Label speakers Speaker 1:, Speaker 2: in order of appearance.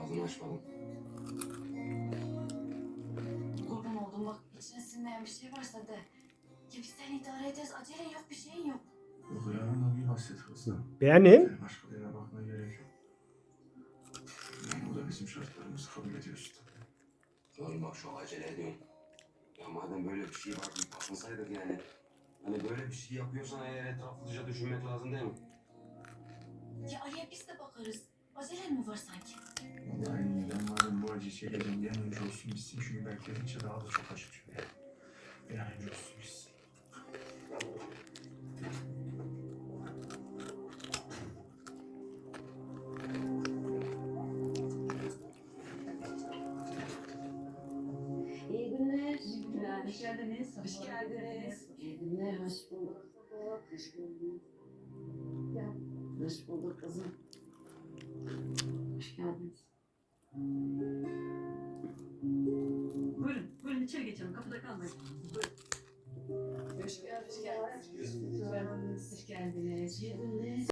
Speaker 1: Ağzını açmadım.
Speaker 2: Kurban oldum bak, içine sinmeyen bir şey varsa de. Ya biz seni idare ederiz, acelen yok, bir şeyin yok.
Speaker 3: Yok ya, ama bir hasret kızım.
Speaker 4: Benim.
Speaker 3: Senin başka birine bakmaya gerek yok. Yani o da bizim şartlarımızı kabul ediyorsun tabii.
Speaker 1: Oğlum bak çok acele ediyorsun. Ya madem böyle bir şey var, bir bakınsaydık yani. Hani böyle bir şey yapıyorsan eğer etraflıca düşünmek lazım değil mi?
Speaker 2: Ya Ali'ye biz de bakarız. Acelen mi var sanki?
Speaker 3: Vallahi en iyi, ben madem bu acıyı çekeceğim bir an önce olsun bitsin. Çünkü bekledikçe daha da çok acıtıyor ya. Bir an önce olsun bitsin.
Speaker 2: İyi günler.
Speaker 5: İyi günler. Hoş geldiniz.
Speaker 2: Hoş geldiniz. İyi günler, hoş bulduk. Hoş bulduk. Gel. Hoş bulduk kızım. Hoş geldiniz.
Speaker 5: Buyurun. Buyurun içeri geçelim. Kapıda kalmayın. Buyurun.
Speaker 2: Hoş geldiniz. Hoş geldiniz. Hoş geldiniz. İyi günler.